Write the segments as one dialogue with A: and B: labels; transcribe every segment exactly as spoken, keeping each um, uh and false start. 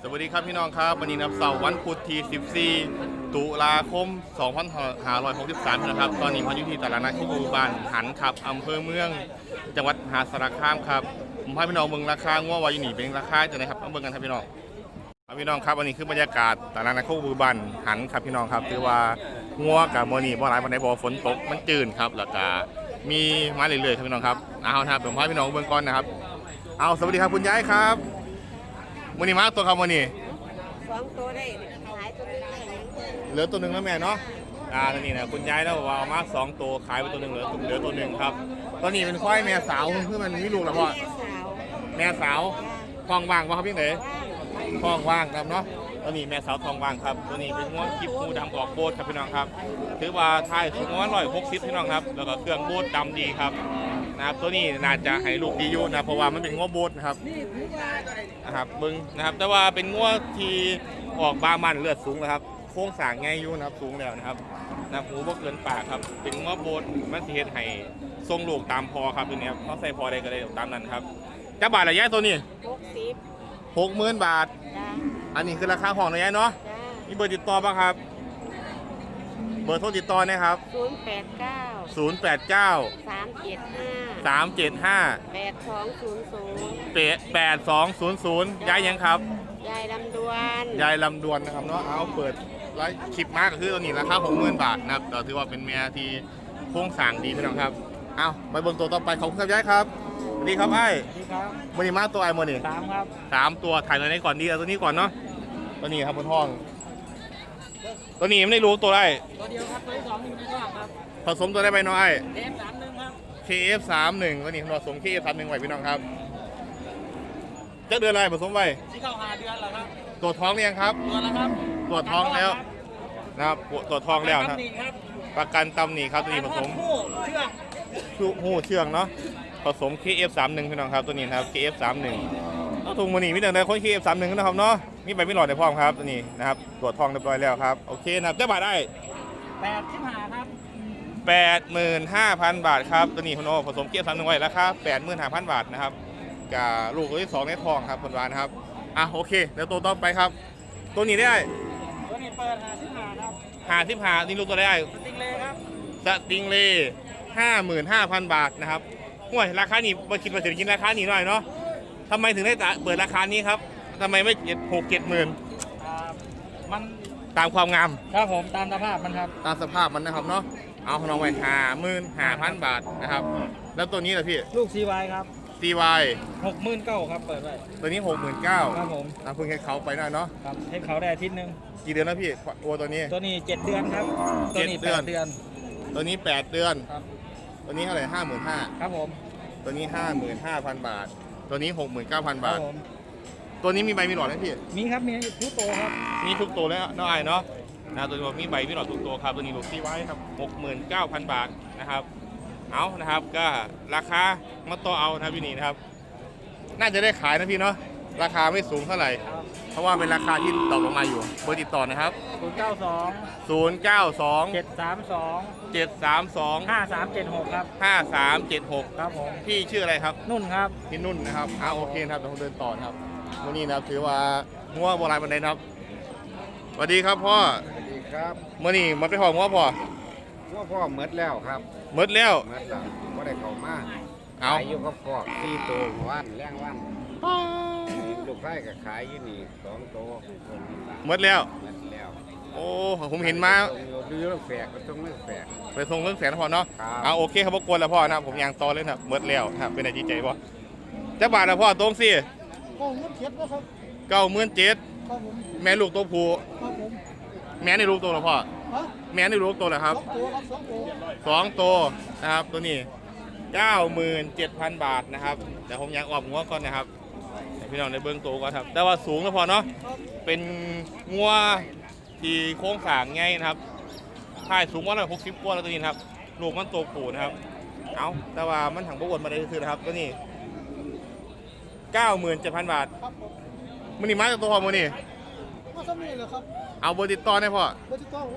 A: สวัสดีครับพี่น้องครับวันนี้นับเสาร์วันพุธที่สิบสี่ตุลาคมสองพันห้าร้อยหกสิบสามนะครับตอนนี้พายุที่ตลาดนัดที่บูบานหันขับอำเภอเมืองจังหวัดมหาสารคามครับผมพาพี่น้องเบิ่งราคางัววายูนี่เป็นราคาจะไหนครับเอาเบิ่งกันครับพี่น้องพี่น้องครับวันนี้คือบรรยากาศตลาดนัดที่บูบานหันครับพี่น้องครับคือว่างัวกับโมนี่บ่หลายวันไหนบ่ฝนตกมันจืดครับแล้วก็มีมาเรื่อยๆครับพี่น้องครับเอาครับผมพาพี่น้องเบิ่งก่อนนะครับเอาสวัสดีครับคุณยายครับวันนี้มาตัวครับวันนี้
B: สองตัวได้ขายตัวนึงได้
A: เหลือตัวหนึ่งแล้วแม่เนาะอ่าตอนนี้นะคุณยายแล้วว่าเอามาสองตัวขายไปตัวหนึ่งเหลือเหลือตัวหนึ่งครับตอนนี้เป็นควายแม่สาวเพื่อมันมีลูกแล้วพ่อแม่สาวทองว่างวะครับพี่เอ๋ทองว่างครับเนาะตอนนี้แม่สาวทองว่างครับตัวนี้เป็นง้วงกิ๊บงูดำออกโบดครับพี่น้องครับถือว่าทายสูงประมาณร้อยหกสิบพี่น้องครับแล้วก็เครื่องโบดดำดีครับนะครับตัวนี้น่าจะให้ลูกดีอยู่นะเพราะว่ามันเป็นง้วโบดนะครับนะครับบึงนะครับแต่ว่าเป็นง้วที่ออกบามันเลือดสูงนะครับโค้งสร้างง่ายอยู่นะครับสูงแล้วนะครับนะหูบ่เกินปากครับเป็นง้วโบดมันสิเฮ็ดให้ทรงลูกตามพอครับตัวนี้ครับเขาใส่พอได้ก็ได้ตามนั้นครับจะบาทละย่ายตัวนี้
B: หกสิบ
A: หกหมื่นบาทอันนี้คือราคาของนะย่ายเนาะมีเบอร์ติดต่อบ้างครับเบอร์โทรติดต่อนะครับ
B: ศูนย์แปดเก้า
A: ศูนย์แปดเก้า
B: สามเจ็ดห้า
A: สามเจ็ดห้า
B: แปดสองศูนย์ศูนย์
A: แปดสองศูนย์ศูนย์ย้ายยังครับ
B: ยายลำดวน
A: ยายลำดวนนะครับเนาะเอาเปิดไลฟ์คลิปมากก็คือตัวนี้ราคาหกหมื่นบาทนะครับแต่ถือว่าเป็นแม่ที่โค้งสร้างดีพี่น้องครับเอาไปบนตัวต่อไปของคุณย้ายครับสวัสดีครับไอ้
B: สวัสดีครับ
A: มันนี่มาตัวไอ้มันนี่
B: สามครับ
A: สามตัวถ่ายตัวนี้ก่อนดีเอาตัวนี้ก่อนเนาะตัวนี้ครับบนห้องตัวนี้ไม่ได้รู้ตัวได้
B: ตัวเดียวครับตัวที่สองอยู่ในท้องครับ
A: ผสมตัวได้ไปน้อย
B: เค เอฟ สามหนึ่งครับ
A: เค เอฟ สามหนึ่งตัวนี้ผสม เค เอฟ สามหนึ่งไว้พี่น้องครับจะเดือนอะไรผสมไว้
B: ที่เข้าหาเดือนเหรอครับ
A: ตัวท้องเรียงครับ
B: ตัวแล้วครับ
A: ตัวท้องแล้วนะครับตัวท้องแล้วครับประกันตำหนิครับตัวนี้ผสม
B: เชื่อง
A: หูเชื่องเนาะผสม เค เอฟ สามหนึ่งพี่น้องครับตัวนี้ครับ เค เอฟ สามหนึ่งต้องถุงมันนี่มีแต่ในคน เค เอฟ สามหนึ่งนะครับเนาะมีใบไม่หลอดในพร้อมครับตัวนี้นะครับตัวทองเรียบร้อยแล้วครับโอเคนะครับจะบาทได้
B: แปดสิบห้าครับ
A: แปดหมื่นห้าพันบาทครับตัวนี้คุณโอผสม เค เอฟ สามหนึ่งไว้ราคาแปดหมื่นห้าพันบาทนะครับกับลูกตัวที่สองในทองครับคนวานครับอ่ะโอเคเดี๋ยวตัวต่อไปครับตัวนี้ได้
B: ตัวนี้เปิดห้าสิบห้าครับ
A: ห้าสิบห้านี่ลูกตัวได้
B: สติงเล่ครับ
A: สติงเล่ห้าหมื่นห้าพันบาทนะครับห่วยราคานี้มาคิดมาถึงกินราคานี้หน่อยเนาะทำไมถึงได้เปิดราคานี้ครับทำไมไม่เจ็ดหกเจ็ดหมื่น
B: มัน
A: ตามความงาม
B: ครับผมตามสภาพมันครับ
A: ตามสภาพมันนะครับเนาะเอาของน้องไว้ห้าหมื่นห้าพันบาทนะครับแล้วตัวนี้ล่ะพี่
B: ลูก ซี วาย ครับ
A: ซี วาย
B: หกหมื่นเก้าครับเปิดไว้
A: ตัวนี้หกหมื่นเก้า
B: ครับผม
A: เอาเพิ่งให้เขาไปหน่อยเนาะ
B: ครับให้เขาได้อาทิตย์นึง
A: กี่เดือนแล้วพี่ตัวตัวนี้
B: ตัวนี้เจ็ดเดือนครับตัวนี้แปดเดือน
A: ตัวนี้แปดเดือน
B: ครับ
A: ตัวนี้เท่าไหร่ห้าหมื่นห้า
B: ครับผม
A: ตัวนี้ห้าหมื่นห้าพันบาทตัวนี้หกหมื่นเก้าพันบาทตัวนี้มีใบมีหลอดไหมพี่
B: มีครับมีทุกตัวครับ
A: มีทุกตัวแล้วน้อยเนาะนะตัวนี้มีใบมีหลอดทุกตัวครับตัวนี้ลูกที่ไว้ครับหกหมื่นเก้าพันบาทนะครับเอานะครับก็ราคามาต่อเอานะพี่นี่นะครับน่าจะได้ขายนะพี่เนาะราคาไม่สูงเท่าไหร่เพราะว่าเป็นราคาที่ตกลงมาอยู่เบอร์ติดต่อนะครับ
B: ศูนย์เก้าสอง
A: ศูนย์เก้าสอง
B: เจ็ดสามสอง
A: เจ็ดสามสอง
B: ห้าสามเจ็ดหกครับ
A: ห้าสามเจ็ดหก
B: ครับผม
A: พี่ชื่ออะไรครับ
B: นุ่นครับ
A: พี่นุ่นนะครับอ่าโอเคครับเดี๋ยวผมเดินต่อครับวันนี้นะครับถือว่างัวโบราณบันไดครับสวัสดีครับพ่อ
C: สวัสดีครับ
A: มื่อนี้มาไปหอมงัวพ่อ
C: งัวพ่อเมดแล้วครับ
A: เมดแล้ว
C: เมดแล้วไม่ได้เข้ามา
A: เอา
C: ขายอยู่กับพ่อสี่ตัววันแรงวันลูกไส้กับขายอยู่นี่สองตัว
A: เมดแล้ว
C: เมดแล้ว
A: โอ้ผมเห็นมา
C: ดูเรื่องแฝกก็ต้องเรื่องแฝก
A: ไปส่งเรื่องแสนพ่อเนาะเอาโอเคครับพวกกวนแล้วพ่อนะผมยางต่อเลยนะเมดแล้วครับเป็นอะไรใจพ่อจะบาทแล้วพ่อตรงสิ
B: เก้าหมื่นเจ็ดนะครับ
A: เก้าหมื่นเจ็ดแม่ลูกตัวผู้แม่ในลูกตัวหรอพ่อแม่ในลูกตัวเหรอครับสองตัวนะครับตัวนี้เก้าหมื่นเจ็ดพันบาทนะครับเดี๋ยวผมอยากออกงัวก่อนนะครับพี่น้องในเบื้องตัวก่อนครับแต่ว่าสูงแล้วพอเนาะเป็นงัวที่โค้งสร้างง่ายนะครับถ่ายสูงว่าหน่อยหกสิบกว่าแล้วตัวนี้ครับลูกมันตัวผู้นะครับเอาแต่ว่ามันถังประกวดมาได้คือนะครับตัวนี้เก้าหมื่นเจ็ดพันบาทมันนี่มาจากตัวพอมันนี่
B: ก็สมีเลยครับ
A: เอาเบอร์ติดต่อได้พ่อ
B: เบอร์ติดต่อ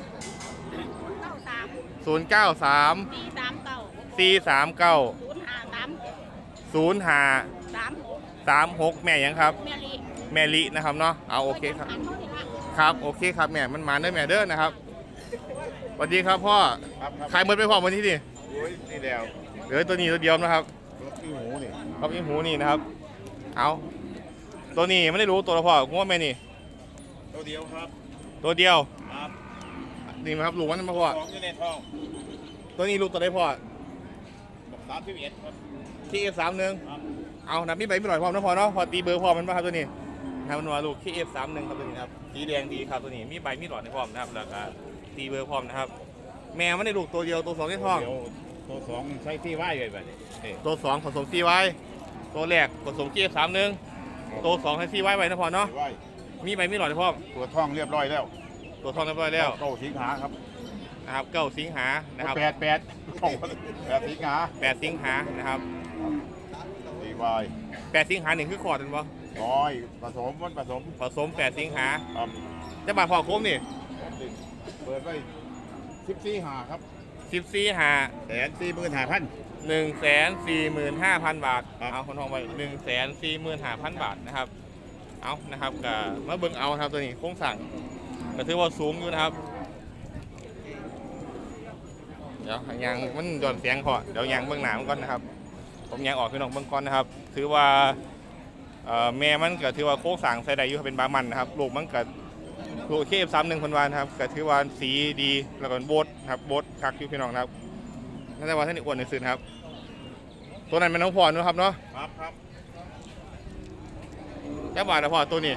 A: ศูนย์เก้าสามสี่สามเก้าศูนย์ห้าสามหกแม่ยังครับแม่ม่ลินะครับเนาะเอาโอเคครับครับโอเคครับแม่มันมาเด้อแม่เด้อนะครับสวัสดีครับพ่อ
C: ครับครับ
A: ขายหมดไปพ่อวันที่นี่
C: โอ้ยนี่แล้ว
A: เหลือตัวนี้ตัวเดียวนะครับ
C: รถที่หูนี่
A: ครับอีหูนี่นะครับเอาตัวนี้ไม่ได้รู้ตัวละพ่อผมว่าแม่นี่
C: ตัวเดียวครับ
A: ตัวเดียว
C: ครับ
A: นี่ไหมครับลูกมันมาพ่อ
C: สองอยู่ในท้อง
A: ตัวนี้ลูกตัวได้พ่อ
C: บอกสามสิบเอ็ดครับ
A: ที่เอฟสามหนึ่ง
C: ครับ
A: เอานับพี่ใบไม่หน่อยพร้อมนะพ่อเนาะพอตีเบอร์พร้อมมันป่ะครับตัวนี้นะครับมันว่าลูกที่เอฟสามหนึ่งครับตัวนี้ครับสีแดงดีครับตัวนี้มีใบมีหลอดในพร้อมนะครับแล้วก็ตีเบอร์พร้อมนะครับแม่ไม่ได้ลูกตัวเดียวตัวสองในท้อง
C: เดี๋ยวตัวสองใช้ที่ไหวไว้แบบนี้นี่
A: ตัวสองผสมซีไว้ตัวแรกผสมเกียร์สามหนึ่งตัวสองให้ซีไว้ไว้นะพอเนาะ
C: ที่ไหว
A: มีใบมีหลอดให้พ่อม
C: ตัวท้องเรียบร้อยแล้ว
A: ตัวทองเรียบร้อยแล้ว
C: เก้าสิงหาครับ
A: นะครับเก้าสิงหานะครับ
C: แปดแปดของแปดสิงหา
A: แปดสิงหานะครับ
C: ที่ไหว
A: แปดสิงหาหนึ่งคือขอดเป็นปะ
C: ร้อยผสมมันผสม
A: ผสมแปดสิงหา
C: ครับ
A: จะบาทพอโค้งนี่
C: เปิดไว้สิบสี่หาครับ
A: สิบสี่หา
C: แสนสี่หมื่นห้าพัน
A: หนึ่งแสนสี่หมื่นห้าพันบาท
C: ครับ
A: เอาคนทองไปหนึ่งแสนสี่หมื่นห้าพันบาทนะครับเอานะครับกับมาเบิ่งเอาครับตัวนี้โค้งสั่งก็ถือว่าสูงอยู่นะครับเดี๋ยวยางมันหย่อนเสียงพอเดี๋ยวยางเบื้องหน้ามันก่อนนะครับ ผมยางออกขึ้นออกเบื้องก่อนนะครับ ถือว่าเอ่อแม่มันก็ถือว่าโค้งสั่งใส่ได้อยู่เป็นบามันนะครับลูกมันก็ลูกเคฟซ้ำหนึ่งพันวานครับก็ถือว่าสีดีแล้วก็โบดครับโบดคักอยู่พี่น้องนะครับน่าจะว่าท่านอีกอ้วนในสื่อครับตัวนั้นเป็นน้องพรนะครับเนาะ
C: ครับครับ
A: แค่บาทนะพอตัวนี้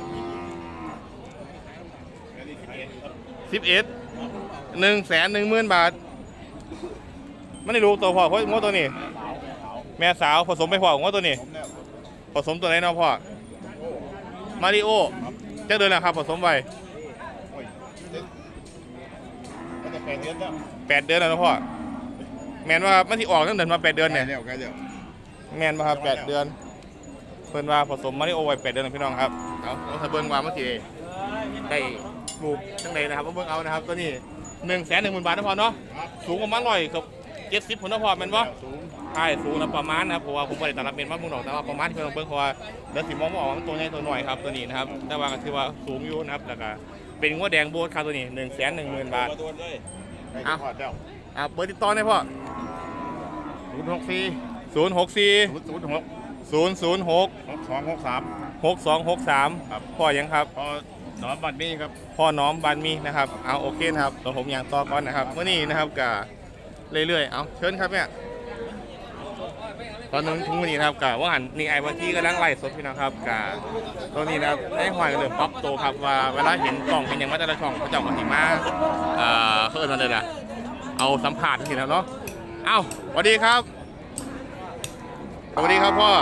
C: อันนี้สิบเอ็ดครับ
A: สิบเอ็ดหนึ่งแสนหนึ่งหมื่นบาทไม่ได้รู้ตัวพ่อเพราะงวตัวนี้ แม่สาวผสมไปพ่องวตัวนี้
C: ผมแล้ว
A: ผสมตัวไหนเนาะพ่อมาริโอจะเดินแล้วครับผสมไป
C: โอ้ยเจ็ดก็จะแปดเดือนแล้ว
A: แปดเดือนแล้วเนาะพ่อแมนว่ามันที่ออกตั้งแต่มาแปดเดือนเนี่ย
C: ใกล้แล้วใกล้แล้ว
A: แมนมาครับแปดเดือนเพิ่นว่าผสมมาริโอไว้แปดเดือนนะพี่น้องครับเอาเอาถ้าเบิ่งว่ามันสิได้ลูกจังใดนะครับเอาเบิ่งเอานะครับตัวนี้หนึ่งแสนหนึ่งหมื่นบาทนะพ่อเนาะ
C: ครับ
A: สูงประมาณร้อยเกับเจ็ดสิบผลนะพ่อแม่นบ่
C: สูง
A: ใช่สูงนะประมาณนะครับเพราะว่าผมไม่ได้ตัดรับเป็นว่ามึงหรอกแต่ว่าประมาณที่เพิ่นเบิ่งเพราะว่าเดี๋ยวสิมองบ่ออกว่ามันตัวใหญ่ตัวน้อยครับตัวนี้นะครับแต่ว่าก็ถือว่าสูงอยู่นะครับแล้วก็เป็นงวดแดงโบสครับตัวนี้หนึ่งแสนหนึ่งหมื่นบาท
C: ตัวตัวเลยใกล้
A: อ่ะ
C: จะพอดแล้ว
A: อ่ะเบอร์ติดต่อได้พ่อ
C: ศูนย์หกสี่
A: ศูนย์หกสี่
C: ศูนย์ศูนย์หก
A: ศูนย์ศูนย์หก
C: หกสองหกสาม
A: หกสองหกสาม
C: ครับ
A: พ่อยังครับ
C: พอหนอนบัตรนี้ครับ
A: พ่อน้อมบานมีนะครับเอาโอเคนะครับเดี๋ยวผมอย่างต่อก่อนนะครับเมื่อนี้นะครับกับเรื่อยๆเอาเชิญครับเนี่ยตอนนึงทุกวันนี้นะครับกับว่าหันนี่ไอ้วันที่กำลังไล่สดพี่น้องครับกับตัวนี้นะครับได้หอยกันเลยป๊อปโตครับว่าเวลาเห็นกล่องเป็นอย่างว่าแต่ละช่องเขาเจ้าก็สิมาเอ่อเพิ่นมาเลยนะเอาสัมผัสทีแล้วเนาะเอ้าสวัสดีครับสวัสดีครับพ่อ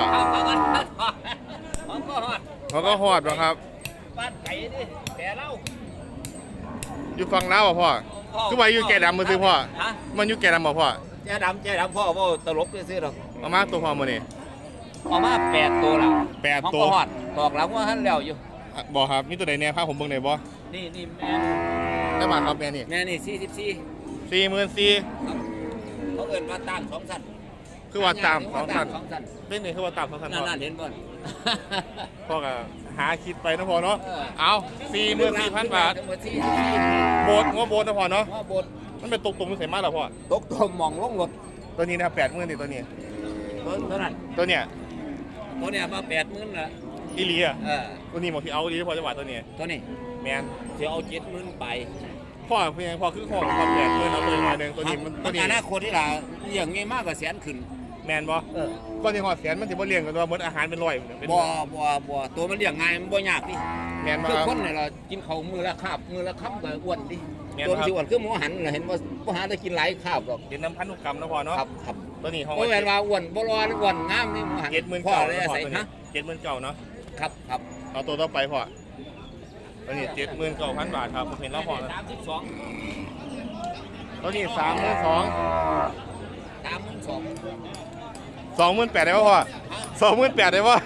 B: ผมก็ฮอด
A: เขาก็หอดนะครับ
B: บ้านไก่ดิแต่เล่า
A: อยู่ฝั่งลาวบ่พ่อคือว่าอยู่แก่ดำมือซื้อพ่อ
B: ฮะ
A: มันอยู่แก่ดำบ่พ่อ
B: แจ๊ดำแจ๊ดำพ่อว่าตลกซื้อๆหรอก
A: เอามาตัวพ่อมานี่
B: เอามาแปดตัวละ
A: แปด
B: ของ
A: ตัว
B: ก็ฮอดบอกหลังว่าท่านแล้วอยู่
A: อ่ะบ่ครับมีตัวใดแน่พาผมเบิ่งหน่อยบ่
B: นี่นี่แม่
A: ได้บาทครับแม่นี่
B: แม่นี่สี่สิบสี่
A: สี่หมื่นสี่
B: เขาเอิ้นมาตามสองสัน
A: คือว่าตามสองพัน
B: สองสัน
A: เป็นนี่คือว่าตามสองพัน
B: นั่
A: พ่
B: น
A: อ
B: นั่นเห็นบ่น
A: พ่อก็หาคิดไปนะพ่อเนาะ
B: เออ
A: เอาสี่หมื่นสี่พันบาท
B: ทั้งหมดสี่
A: โบสงบโบสนะพ่อเนาะ
B: ว่าบท
A: มันเป็นตกตุ่มเสียมากเหรอพ่อ
B: ตกตมมองลงรถ
A: ตัวนี้นะครับแปดหมื่นนี่ตัวนี้
B: ตัวเท่านั้น
A: ตัวเนี้ย
B: ตัวเนี้ยมาแปดหมื่นละ
A: อีหลีอ่ะ
B: เออ
A: ตัวนี้หมดที่เอาอีหลีพ่อจะว่าตัวนี้
B: ตัวนี้
A: แมน
B: จะเอาเจ็ดหมื่นไป
A: พ่อเพียงพ่อคือของความแปดหมื่นเอาตัวนี้มาหนึ่งตัวนี้มันตัวนี้
B: อนาคตที่ล่ะอย่างงี้มากกว่าแสนขึ้น
A: แมนบ่
B: เออ
A: ก้อนที่หอดแสนมันจะบ่เลี้ยงกันตัวเหมือนอาหารเป็นร้อยเป็น
B: บ่บ่บ่ตัวมันเลี้ยงง่ายมันบ่ยากดิ
A: แมนบ่
B: คือ
A: ครับ
B: คนเนี่ยเรากินข้าวมื้อละคาบมื้อละคำก็อ้วนดิ
A: แม่น
B: ตัว
A: ครับ
B: มันสิอ้วนคือหมูหันน่ะเห็นบ่บ่หาได้กินหลายคาบหรอก
A: เดี๋ยวน้ำพันธุกรรมนะพ่อเนาะ
B: ครับครับ
A: ตัวนี้ห้อง
B: บ่แม่นว่าอ้วนบ่รออ้วนงามนี่หมูหัน
A: เจ็ดหมื่น
B: พ่อ
A: เก่า
B: เลย
A: นะพ่อ
B: ใส่
A: ตัวนี้
B: ฮะ
A: เจ็ดหมื่นเก่าเนาะ
B: ครับครับ
A: เอาตัวต่อไปพ่อตัวนี้เจ็ดหมื่นเก้าพันบาทครับผมเห็นแล้วพ่อแล้ว
B: สามสิบสอง
A: ตัวนี้สามหมื่นสอง
B: สามหมื่นสอง
A: สองหมื่นแปดได้ป่ะพ่อสองหมื่นแปดได้ป่ะ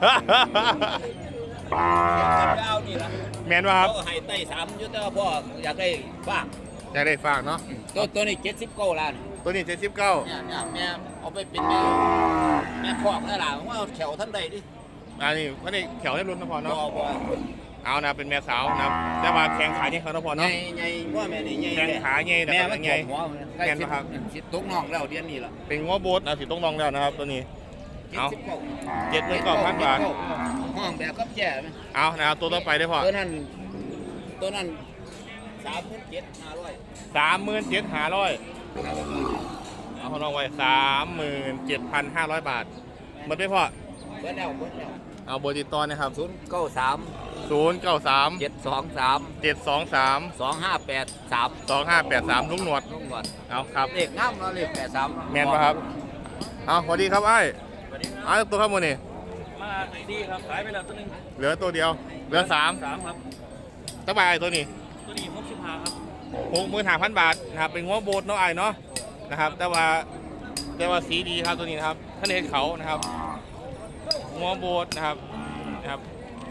B: เอานี่ล่ะ
A: แมนว่าครับ
B: เขาให้ไต้สามอยู่แต่ว่าพ่ออยากได้บ้าง
A: อยากได้ฝากเนาะ
B: ตัวตัวนี้เจ็ดสิบเก้าล้าน
A: ตัวนี้เจ็ดสิบเก้า
B: เนี่ยเนี่ยแม่เอาไปเป็นแม่แม่คอกนั่นล่ะว่าเอาแถวท่านใดดิ
A: อันนี้วันนี้แถวได้รุ่นนะพอ
B: บ่
A: เนาะ
B: บ่
A: เอานะเป็นแม่สาวนะครับแต่ว่าแข้งขาเนี่ยเขานะพอ
B: ใหญ่
A: เนาะ
B: ใหญ่ว่าแม่นี่ใหญ่
A: แข้งขาใหญ่แต่
B: แม่
A: ก็
B: มัน
A: ใหญ่
B: หัวใกล้
A: แม่น
B: สิ
A: ปะครับ
B: สิตกน้องแล้วเดือนนี้ล่ะ
A: เป็นงัวโบสนะสิต้องลองแล้วนะครับตัวนี้ เอา
B: เจ็ดสิบ
A: เจ็ดหมื่นเก้าพันบาท
B: ห้องแบบกับแจ่ไหม
A: เอานะครับตัวต่อไปได้พอ
B: ตัวนั้นตัวนั้นสามหมื่นเจ็ดห้าร้อย
A: สามหมื่นเจ็ดห้าร้อยเอาของน้องไว้สามหมื่นเจ็ดพันห้าร้อยบาทหมดไปพอ
B: เบิดแล้วเบิดแล้ว
A: เอาเบอร์ติดต่อนะครับ
B: ศูนย์เก้าสาม
A: ศูนย์เก้าสาม
B: เจ็ดสองสาม
A: เจ็ดสองสาม
B: สองห้าแปดสาม
A: สองห้าแปดสามลุงหนวด
B: ลุงก่อน
A: เอาครับ
B: เลขงามเนาะเลขแปดสาม
A: แมนปะครับ เอาสวัสดีครับไอ้ไอ้ตัวครับโมนี่
D: มาไหนดีครับขายไปแล้วตัวหนึง
A: เหลือตัวเดียว เหลือสาม
D: สามครับ
A: ตะบายตัวนี้
D: ตัวนี้หกสิบห้าครับ
A: หกหมื่นห้าพันบาทนะครับ เป็นงัวโบสเนาะไอ้เนาะนะครับ แต่ว่าแต่ว่าสีดีครับตัวนี้นะครับท่านเห็นเขานะครับงัวโบสนะครับนะครับ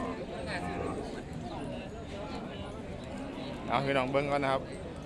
A: เอาพี่น้องเบิ้งก่อนนะครับ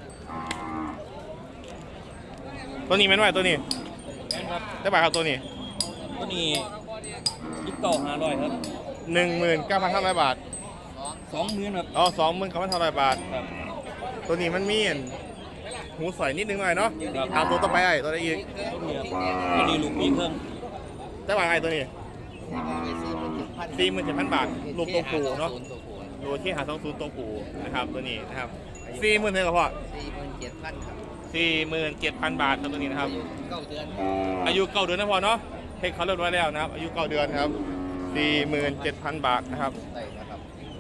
A: ตัวนี้แม่นไหวตัวนี้
D: แม่นครับ
A: ตะบายครับตัวนี้
D: ตัวนี้ยี่สิบเก้าห้าร้อยครับ
A: หนึ่งหมื่นเก้าพันห้าร้อยบาท
D: สองหมื่นครับ
A: อ๋อสองหมื่นเก้าพันห้าร้อยบาท
D: ครับ
A: ตัวนี้มันมีอันหูสอยนิดนึงหน่อยเนาะ
D: ครับ
A: เอาตัวต่อไปไอ้ตัวไหนอีก
D: ตัวนี้ครับตัวนี้ลูกปีเพิ่ม
A: ตะบายไอ้ตัวนี้สี่หมื่นเจ็ดพันบาทลูกตัวผูเนาะ โดยที่หาสองศูนย์ตัวผูนะครับตัวนี้นะครับสี่หมื่นเลยก็พอ
B: สี่หมื่นเจ็ดพันครับ
A: สี่หมื่นเจ็ดพันบาทครับตัวนี้นะครับ
B: เก้าเดือน
A: อายุเก้าเดือนนะพอเนาะให้เขาเรียบร้อยแล้วนะครับ อายุเก้าเดือนครับสี่หมื่นเจ็ดพันบาทนะครับ
B: ได้นะครับ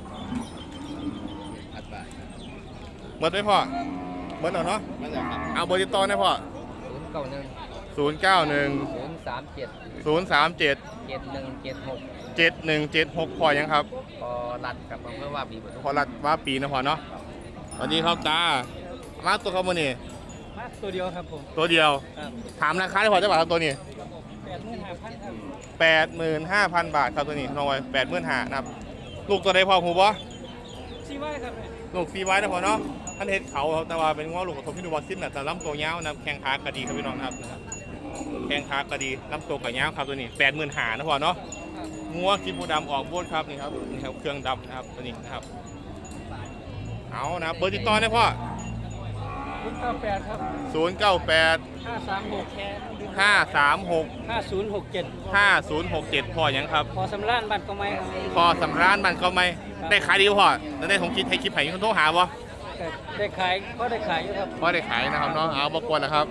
B: อัดบาท
A: เมื่อไหร่พอเมื่อไหร่เนาะ
B: นั่นแหละครับ
A: เอาเบอร์ติดต่อนะพอ
B: ศูนย์เก้าหนึ่ง
A: ศูนย์เก้าหนึ่ง
B: ศูนย์สามเจ็ด
A: ศูนย์สามเจ็ด
B: เจ็ดหนึ่งเจ็ดหก
A: เจ็ดหนึ่งเจ็ดหกพอยังครับ
B: พอรัดกับอำเภอว่าปีปทุม
A: พอรัดว่าปีนะพอเนาะสวัสดีครับตามาตัวเขาโมนี่
D: มาตัวเดียวครับผม
A: ตัวเดียว
D: ครับ
A: ถามราคาได้พอจะบาทครับตัวนี้
D: แปดหมื่นห้าพันครับ
A: แปดหมื่นห้าพันบาทครับตัวนี้น้องไว้แปดหมื่นห้านะครับลูกตัวใดพอหูบ่
D: ซีไว้ครับเนี่ย
A: ลูกซีไว้นะพอเนาะท่านเห็ดเขาครับแต่ว่าเป็นง้อลูกกระทบที่ดูบอลซิมนะแต่ลำตัวยาวนะครับแข้งขากระดีครับพี่น้องนะครับนะครับแข้งขากระดีลำตัวกระยาวครับตัวนี้แปดหมื่นห้านะพอเนาะงัวกินบูดำออกบวดครับนี่ครับนี่ครับเครื่องดำนะครับตัวนี้นะครับเอานะครับเบอร์ติดต่อนะพ่อ
D: ศูนย์เก้าแปดครับ
A: ศูนย์เก้าแปด
D: ห้าสามหก
A: ห้าสามหก
D: ห้าศูนย์หกเจ็ด
A: ห้าศูนย์หกเจ็ดพ่อยังครับ
D: พอสำรานบัตรก็ไม่ครับ
A: พอสำร้านมันก็ไม่ได้ขายดีบ่พ่อแล้วได้ผมคิดให้คลิปให้คนโทรหาบ่
D: แต่ได้ขายก็ได้ขายอยู่ครับ
A: พอได้ขายนะครับเนาะเอาบกวนนะครับ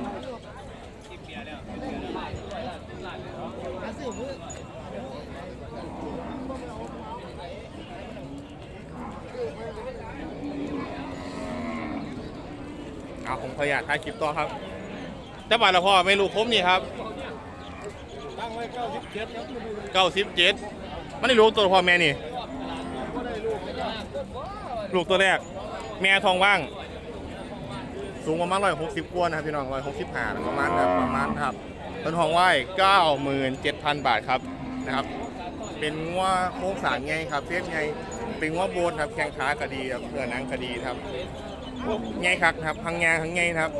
A: เอาผมขออนุญาตถ่ายคลิปต่อครับแต่บาทละพ่อไม่รู้คมนี่ครับ
D: ตั้งไว้เก้าสิบเจ็ดครับ
A: เก้าสิบเจ็ดมันได้รู้ตัวพ่อแม่นี่ลูกตัวแรก แม่ทองว่าง สูงประมาณร้อยหกสิบกว่านะครับพี่น้องร้อยหกสิบห้าประมาณครับประมาณครับต้นทองไหว้เก้าหมื่นเจ็ดพันบาทครับนะครับ เป็นงัวโค้งสารไงครับเฟียสไงเป็นงัวโบนครับแข้งขากระดีครับเพื่อหนังกระดีครับไงครับครับพังงาพังไงครับ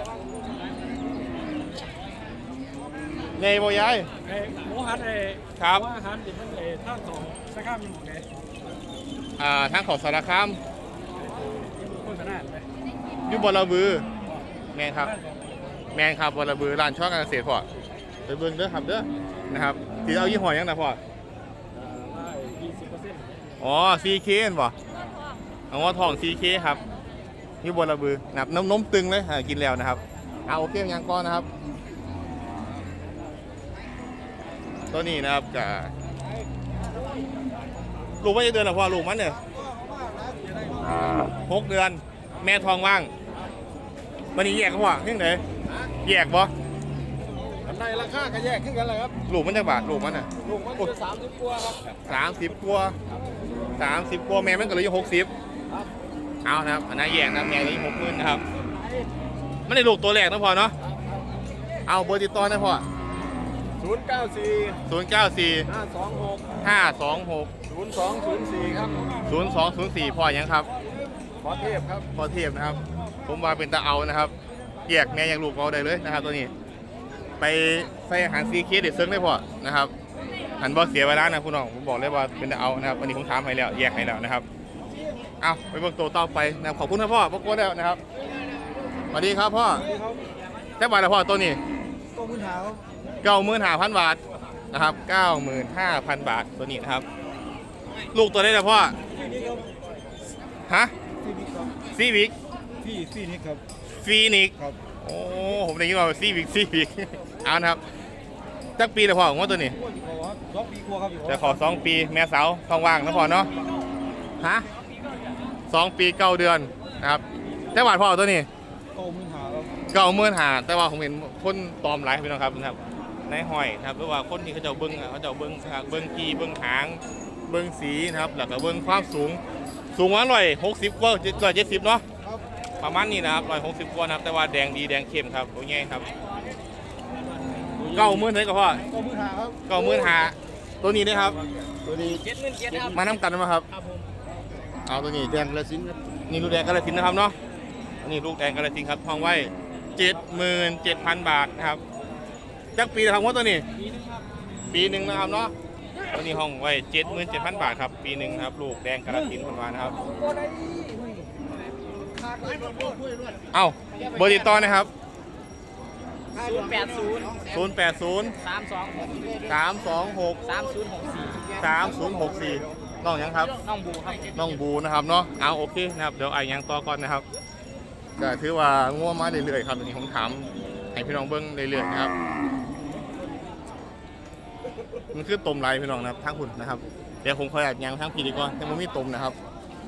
A: ไงโบยาย
D: ไอ้หมูหันไอ้
A: ครับ
D: หมูอาหารที่มันไอ้ท่าสองสักข้ามมันหมดเลย
A: อ่าทางของสารคาม
D: โฆษณาไป
A: อยุบลบือแมนครับแมนครับบลบือร้านช่อการเกษตรพอไปเบิ่งเด้อครับเด้อนะครับที่เอายี่ห้อยังนะพอ
D: ได้ยี่สิบเปอร์เซ็นต์
A: อ๋อ ซี เค เห็นบ่เอาว่าทอง ซี เค ครับนี่บนระบือนะครับน้ำนมตึงเลยอ่ากินแล้วนะครับเอาโอเคยังก้อนนะครับ ตัวนี้นะครับจะลูกไม่ได้เดือนหรอพ่อลูกมันเนี่ยหกเดือน แม่ทองว่างมันนี่แยกกันพ่อเพียงไหนแยกบ่
D: ในราคาก็แยกขึ้นกันเลยครับ
A: ลูกมันจะบาทลูกมันน่ะ
D: ลูกมันคือสามสิบกว่าครับ
A: สามสิบกว่าสามสิบกว่าแม่มันก็เลยอยู่หกสิบเอานะครับอันนั้นแยกนะแม่เลยหกหมื่นนะครับไม่ได้ลูกตัวแรกนะพ่อเนาะเอาเบอร์ติดต่อนะพ่อ
D: ศูนย์เก้าสี่
A: ศูนย์เก้าสี่
D: ห้าสองหก
A: ห้าสองหก
D: ศูนย์สองศูนย์สี่ครับ
A: ศูนย์สองศูนย์สี่พ่อยังครับ
D: ขอเทพครับ
A: พ่อเทียบนะครับ ผมว่าเป็นตาเอานะครับแยกแม่ยังลูกเอาได้เลยนะครับ ตัวนี้ ไปใส่อาหารซีเคเด็ดเซิงได้พ่อนะครับหันบอเสียเวลานะคุณน้องผมบอกเลยว่าเป็นเอานะครับวันนี้ผมถามให้แล้วแยกให้แล้วนะครับเอาไปเบิ่งตัวต่อไปนะครับขอบคุณนะพ่อพ่อโก้แล้วนะครับสวัสดีครับพ่อแค่บาทละพ่อตัวนี้
B: ก็มือเท้า
A: เก้าหมื่นห้าพันบาทนะครับเก้าหมื่นห้าพันบาทตัวนี้นะครับลูกตัวได้ละพ่อฮะ
B: ที่นี่ครับ
A: ซีวิก
B: ที่ที่นี่ครับ
A: ฟีนิก
B: ครับ
A: โอ้ผมได้ยินว่าซีวิกซีวิกเอานะครับจักปีละพ่อผมว่าตัวนี้
B: ขอสองปีกว่าครับ
A: จะขอสองปีแม่สาวท้องว่างนะพ่อเนาะฮะสองปีเก้าเดือนนะครับแต่บาทพ่อตัวนี้
B: ก็มือเท้าครับ
A: เก้าหมื่นหาแต่ว่าผมเห็นคนตอมหลายพี่น้องครับนะครับในห้อยนะครับหรือว่าคนที่เขาจะเบิ้งอะเขาจะเบิ้งนะครับเบิ้งกีเบิ้งหางเบิ้งสีนะครับแล้วก็เบิ้งความสูงสูงว่าร้อยหกสิบกว่าร้อยเจ็ดสิบเนาะ
B: ครับ
A: ประมาณนี้นะครับร้อยหกสิบกว่านะครับแต่ว่าแดงดีแดงเข้มครับโอ้ยครับเก้าหมื่นเท่าไหร่ก็พ่อ
B: ก็มือเท้าครับ
A: เก้าหมื่นหาตัวนี้นะครับ
B: ตัวนี้เจ็ดหมื่นเจ็ดครับ
A: มาน้ำกันไหมครับ
B: ครับผม
A: เอาตัวนี้
B: แดงละสินครับ
A: นี่ลูกแดงกาฬสินธุ์นะครับเนาะอันนี้ลูกแดงกาฬสินธุ์ครับทองไว้เจ็ดหมื่นเจ็ดพันบาทนะครับจักปีนะครับว่าตัวนี้ ปีหนึ่งนะครับเนาะตัวนี้ห้องไว้เจ็ดหมื่นเจ็ดพันบาทครับปีหนึ่งนะครับลูกแดงกาฬสินธุ์คนวานะครับเอ้าเบอร์ติดต่อนะครับ
B: ศูนย์แปดศูนย์
A: ศูนย์แปดศูนย์
B: สามสองหก
A: สามสองหก
B: สามศูนย์หกสี่
A: สามศูนย์หกสี่น้องยังครับ
B: น้องบูครับ
A: น้องบูนะครับเนาะเอาโอเคนะครับเดี๋ยวไอ้ยังต่อก่อนนะครับก็ถือว่าง่วงมาเรื่อยๆครับตอนนี้ผมถามให้พี่น้องเบิ้งเรื่อยๆนะครับมันคือต้มไรพี่น้องนะครับทั้งคุณนะครับเดี๋ยวผมขออยากยังทั้งพีดีกว่าแต่มันไม่ต้มนะครับ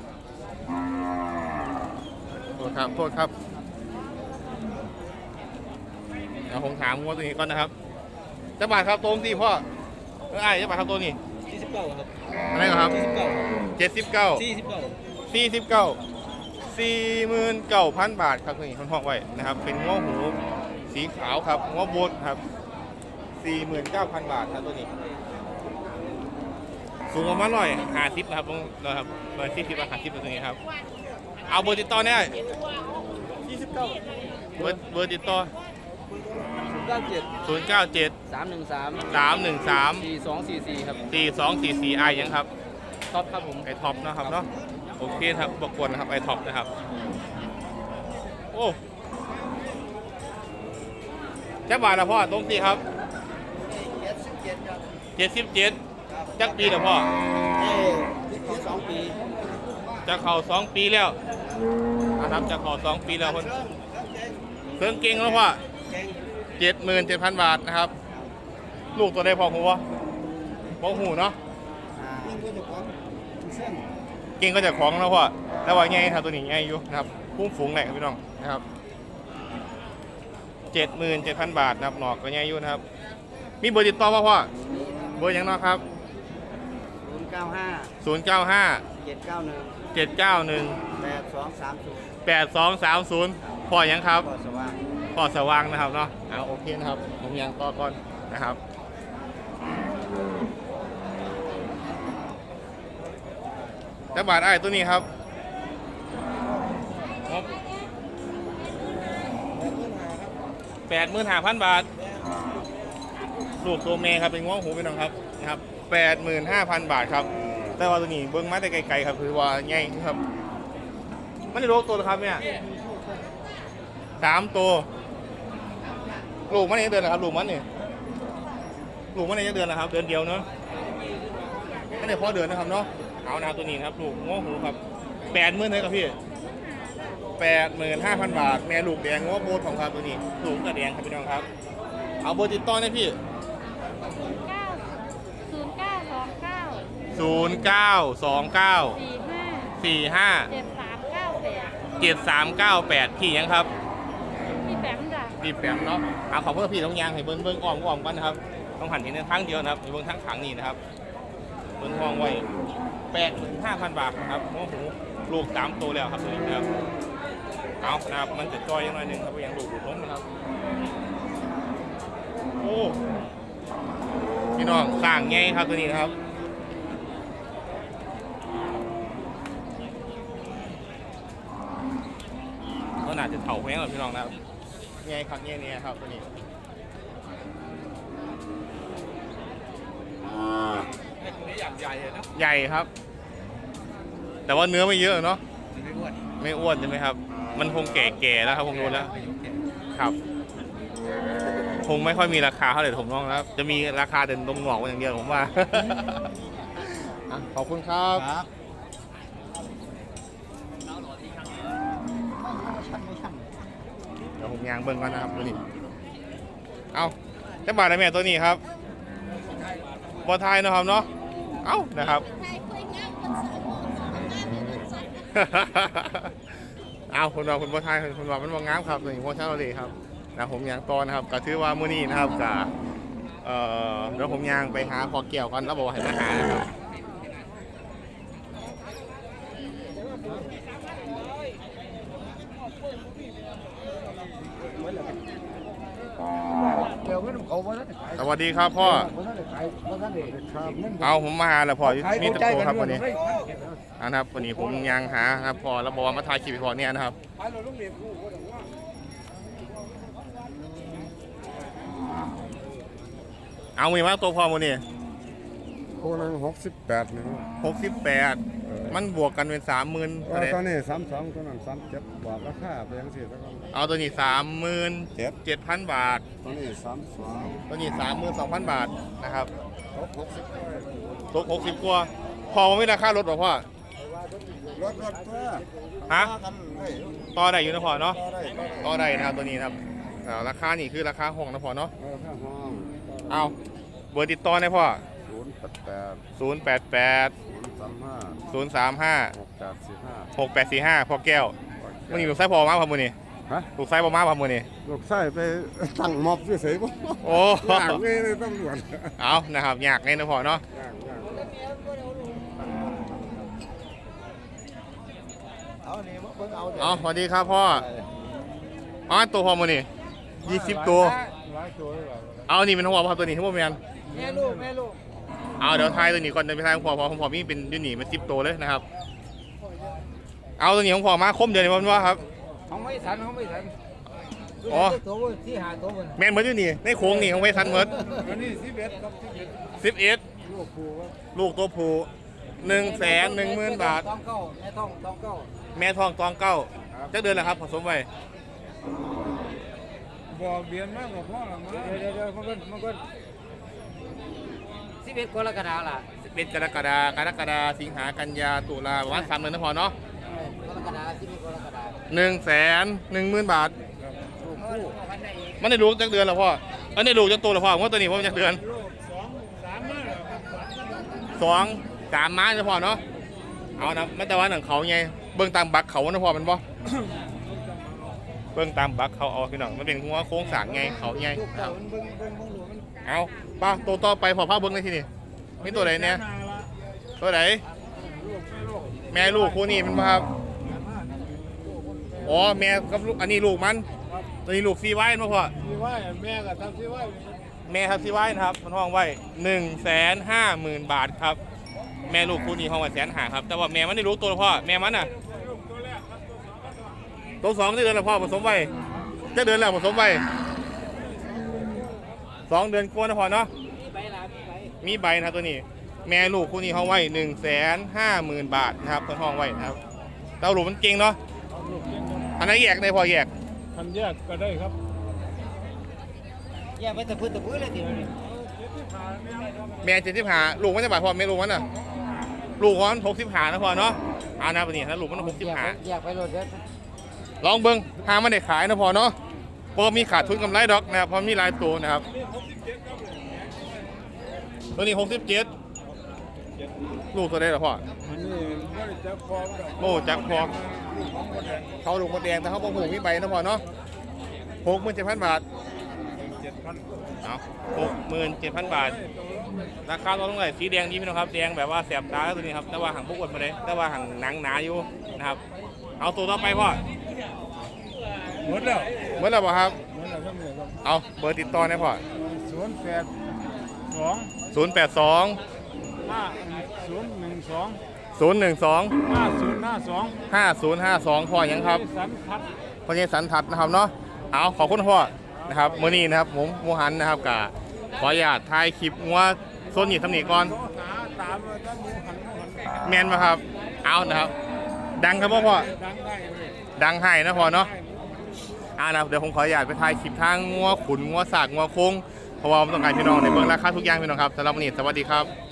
A: โทษครับโทษครับเดี๋ยวผมถามง่วงตัวนี้ก่อนนะครับจะบาทครับตรงที่พ่อเออไอ้จะบาทครับตัวนี้
B: สี่สิบเก้าครับ
A: อะไรครับ
B: สี่สิบเก้า
A: เจ็ดสิบเก้า
B: สี่สิบเก้า
A: สี่สิบเก้าสี่หมื่นเก้าพันบาทครับนี่ท่านห้องไว้นะครับ เป็นง้อหูสีขาวครับง้อโบดครับสี่หมื่นเก้าพันบาทครับตัวนี้ สูงประมาณร้อยห้าสิบนะครับตรงนะครับร้อยสี่สิบห้าสิบตัวนี้ครับ เอาเบอร์ติดต่อเนี่ย
B: สี่สิบเก้า
A: เบอร์เบอร์ติดต่อ
B: ศูนย์เก้าเจ็ด
A: ศูนย์เก้าเจ็ด
B: สามหนึ่งสาม
A: สามหนึ่งสาม
B: สี่สองสี่สี่ครับ
A: สี่สองสี่สี่ไอยังครับ
B: ท็อปครับผม
A: ไอท็อปนะครับเนาะโอเคครับบกวนนะครับไอท็อปนะครับโอ้แค่บาทละพ่อตรงที่ครับ
B: เจ็ดสิบเจ็ดครับ
A: เจ็ดสิบเจ็ดจักปีละพ่อ
B: เอ้ที่สองปี
A: จะเข่าสองปีแล้วนะครับจะเข่าสองปีแล้วคนเครื่องเก่งแล้วพ่อ
B: เก่ง
A: เจ็ดหมื่นเจ็ดพันบาทนะครับ ลูกตัวได้พอหัวพอหูเนาะ
B: ยิ่งก็จะของเส้น
A: เก่งก็จะของแล้วพ่อแล้วว่าไงครับตัวนี้ไงอยู่นะครับพุ่งฝูงแหลกครับพี่น้องนะครับเจ็ดหมื่นเจ็ดพันบาทนะครับหนอกก็ไงอยู่นะครับมีเบอร์ติดต่อป่ะพ่อเบอร์ยังเนาะครับ
B: ศูนย์เก้าห้า
A: ศูนย์เก้าห้า
B: เจ็ดเก้าหนึ่ง
A: เจ็ดเก้าหนึ่ง
B: แปดสองสามศูนย์
A: แปดสองสามศูนย์พ่อยังครับ
B: ก็สว่าง
A: พ่อสว่างนะครับเนาะเอาโอเคนะครับผมยังต่อก่อนนะครับแต่บาทไอ้ตัวนี้ครับแปดหมื่นห้าพันบาทลูกตัวเมย์ครับเป็นง้วงหูพี่น้องครับนะครับแปดหมื่นห้าพันบาทครับแต่ว่าตัวนี้เบิ้งมาแต่ไกลๆครับคือว่าใหญ่ครับมันจะโรคตัวเหรอครับเนี่ยสามตัวลูกมันนี่เดือนนะครับลูกมันนี่ลูกมันนี่จะเดือนนะครับเดือนเดียวเนาะไม่ได้พอเดือนนะครับเนาะเอานะครับตัวนี้ครับลูกง้วหูครับแปดหมื่นเลยครับพี่แปดหมื่นห้าพันบาทแม่ลูกแดงง้วโบดของครับตัวนี้ลูกกระแดงครับพี่น้องครับเอาเบอร์ติดต่อได้พี่
E: ศูนย์เก้าสองเก้า
A: ศูนย์เก้าสองเก้า
E: สี่ห้า
A: สี่ห้า
E: เจ็ดสามเก้าแปด
A: เจ็ดสามเก้าแปดพี่ยังครับ
E: พี่แปมจ้ะ
A: พี่แปมเนาะเอาขอเพื่อพี่ต้องยางให้เบิ้งเบิ้งอ้อมอ้อมกันนะครับต้องหันทีในทางเดียวนะครับเบิ้งทางขางนี้นะครับเบิ้งห้องไว้แปดหมื่นห้าพันบาทนะครับโอ้โหลูกสามตัวแล้วครับตัวนี้นะครับเอานะครับมันจะจอยยังหน่อยหนึงครับยังลูกอยู่ล้มนะครับโอ้พี่น้องสร้างไงครับตัวนี้นะครับก็น่าจะเถ่าแพงหรอพี่น้องนะครับไงครับไงเนี่ยครับตัวนี้ใหญ่ครับ แต่ว่าเนื้อไม่เยอะเนาะไม่อ้วนใช่ไหมครับ มันคงแก่ๆแล้วครับผมรู้แล้วครับคงไม่ค่อยมีราคาเท่าไหร่ผมน้องแล้วจะมีราคาเด่นตรงหงอกอย่างเดียวผมว่า อ่ะขอบคุณครับ
B: ครับ
A: เดี๋ยวผมยางเบิ้งก่อนนะครับตัวนี้เอาจะบาทอะไรแม่ตัวนี้ครับบอไทยเนาะครับเนาะเอ้านะครับ เอาคนว่าคนบอไทยคนว่ามันบองามครับตัวนี้โมชั่นเลยครับนะผมยางตอนนะครับก็ถือว่ามื้อนี้นะครับกับเอ่อเดี๋ยวผมยางไปหาคอเกี่ยวกันแล้วบอกว่าให้มาหานะครับสวัสดีครับพ่อเอาผมมาหาแล้วพ่อมีตะโกครับวันนี้นะครับวันนี้ผมยังหาครับพ่อแล้วบอกว่ามาถ่ายคลิปให้พ่อเนี่ยนะครับเอามีมาตัวพ่อวันนี้
C: โคนนั้นหกสิบแปดนี่
A: หกสิบแปดมันบวกกันเป็นสามหมื่น
C: ตอนนี้สามสองตัวนั้นสามเจ็ดบอกราคาไปยังสี่แล้วก็
A: เอาตัวนี้สามหมื่นเจ็ดพันบาท
C: ตอนนี้สามสอง
A: ตัวนี้สามหมื่นสองพันบาทนะครับ
C: หกหกสิบ
A: ตกหกสิบกว่าพอไม่ราคารถหรอพ่อ
C: รถรถตัว
A: ฮะ
C: กันเลย
A: ต่อได้อยู่นะพ่อเนาะ
C: ต่อได้ต่อได้
A: ต่อได้นะครับตัวนี้นะครับอ่าราคานี่คือราคาห้องนะพ่อเนาะ
C: เออข้างห้อง
A: เอาเบอร์ติดต่อได้พ่อ
C: ศูนย์แปดแปด
A: ศูนย์แปดแปด
C: ศูนย์สามห้า
A: ศูนย์สามห้า
C: หกแปดสี่ห้า
A: หกแปดสี่ห้าพ่อแก้วมันอยู่ลูกไส้พอมาครับมือนี่
C: ฮะ
A: ลูกไส้พอมาครับมือนี่
C: ลูกไส้ไปตั้งม็อบเฉยๆป่ะ
A: โอ้
C: ย่างนี่เลยตำรวจ
A: เอานะครับอยากไงนะพ่อเนาะ
C: ย่างย่าง
B: เอานี่เบิ่งเอาเดี๋ยว
A: เอาสวัสดีครับพ่ออ๋อตัวพ่อมือนี่ยี่สิบตัว
C: ร้อยตัวเลยเหรอ
A: เอานี่เป็นหัวพ่อตัวนี้ที่พ่อแมน
B: แม่ลูกแม่ลูก
A: เอาเดี๋ยวทายตัวนี้ก่อนเดินไปทายของพ่อพ่อของพ่อมีเป็นยูนี่มันสิบตัวเลยนะครับ เอาตัวนี้ของพ่อมาคมเดียวนี่มันว่าครับ
B: ของไม่สันของไม่สัน
A: อ๋อ
B: ตัวที่หาตัวมัน
A: แมนเหมือนยูนี่ในโค้งนี่ของเวสันเหมือน
C: อันนี้สิบเอ็ดครับสิบเอ็ด
A: สิบเอ็ด
C: ลูกครูครับ
A: ลูกตัวผู้หนึ่งแสนหนึ่งหมื่นบาท
B: ตองเก้าแม่ทองตองเก้า
A: แม่ทองตองเก้าจะเดือนแล้วครับผสมไว้
C: บอกเบียนมากกว่าพ่อหรอมั้ง
B: เดี๋ยวเดี๋ยวมันก็มันก็สิบเอ็ดกรกฎาคมล่ะ
A: เป็นกรกฎากรกฎาสิงหากันยาตุลาประมาณสามเดือนนะพอเนาะ
B: กรกฎาคมสิบเอ็ดกรกฎาคม
A: หนึ่งแสนหนึ่งหมื่นบาท
B: ลูกคู่
A: มันได้ลูกจักเดือนแล้วพ่ออันนี้ลูกจักตัวแล้วพ่อผมว่าตัวนี้ผมจักเดือน
C: ลูกสองสามมากเหรอครับ
A: สองสามม้านะพ่อเนาะเอานะไม่แต่ว่าหนังเขาไงเบื้องตามบักเขานะพ่อมันบ่ เบื้องตามบักเขาเอาพี่น้องมันเป็นหัวโค้งสร้างไงเขาไง
B: ลูกเก่ามันเบิ่งเบิ่งเบิ่งลูกมัน
A: เอาป้าตัวต่อไปพอพาเบิ้งในที่นี่มีตัวไหนเนี่ยตัวไหนแม่ลูกคู่นี้มันบ่ครับอ๋อแม่กับลูกอันนี้ลูกมันตัวนี้ลูกซีไว้มาพ่อ
C: ที่ว่าแม่ก็ทำที่ว่า
A: แม่ครับซีไว้นะครับมันห้องไว้หนึ่งแสนห้าหมื่นบาทครับแม่ลูกคู่นี้ห้องไว้แสนหาครับแต่ว่าแม่มันได้ลูกตัวละพ่อแม่มันน่ะตัวสองได้เดือนละพ่อผสมไว้จะเดือนแล้วผสมไว้สองเดือนกว่านะพ่อเนาะ
B: มีใบลามีใบ
A: มีใบนะครับตัวนี้แม่ลูกคู่นี้ห้องไว้หนึ่งแสนห้าหมื่นบาทนะครับเพิ่นห้องไว้นะครับเต้าลูกมันเก่งเนาะอันนั้นแยกได้พอแยก
C: ทำแยกก็ได้ครับ
B: แยกไปตะพื้นตะพื้นเลยทีนี้
A: แม่เจ็ดสิบหาลูกมันจะบาทพอแม่ลูกมันน่ะลูกมันหกสิบหานะพอเนาะอ่านะตัวนี้ถ้าลูกมันหกสิบหา
B: แยกไปรถเด้อ
A: ลองเบิ้งหามันได้ขายนะพอเนาะเพราะมีขาดทุนกำไรดอกนะครับเพราะมีหลายตัวนะครับตัวนี้หกสิบเจ็ดลูกตัวได้หรอพ่อ
C: อันนี้ไม่ได้จับคอหรอก
A: โอ้จักพอเขาลูกมดแดงแต่เขาบอกหูมีใบนะพอเนาะหกหมื่นเจ็ดพันบาท
C: เจ็ดพัน
A: เอาหกหมื่นเจ็ดพันบาทราคาตัวเท่าไหร่สีแดงดีพี่น้องครับแดงแบบว่าแสบตาตัวนี้ครับแต่ว่าหางพวกอ้วนมาเลยแต่ว่าหางหนังหนาอยู่นะครับเอาตัวต่อไปพ่อ
C: หมดแล้ว
A: เมื่อไหร่บ่ครับ
C: หมดแล้วทั้งหมดครับ
A: เอาเบอร์ติดต่อนะพ่อ
C: ศูนย์แปดสอง
A: ศูนย์แปดสอง
C: ห้าศูนย์หนึ่งสอง
A: ศูนย์หนึ่งสอง
C: ห้าศูนย์ห้าสอง
A: ห้าศูนย์ห้าสองพ่อยังครับ
C: สันพัด
A: พ่อยังสันทัดนะครับเนาะเอาขอบคุณพ่อนะครับมื้อนี้นะครับผมหมูหันนะครับกับขออนุญาตถ่ายคลิปงัวโซนหยีทำหนีก่อน
C: หาตาามถ้าหมูหันหมูหัน
A: แมนมาครับเอานะครับ ดังครับพ่อพ่อ
C: ดังได้เลย
A: ดังให้นะพ่อเนาะอ่านะเดี๋ยวผมขออนุญาตไปถ่ายคลิปทางงัวขุนงัวสากงัวโค้งเพราะว่าผมต้องการพี่น้องในเบื้องราคาทุกอย่างพี่น้องครับสำหรับวันนี้สวัสดีครับ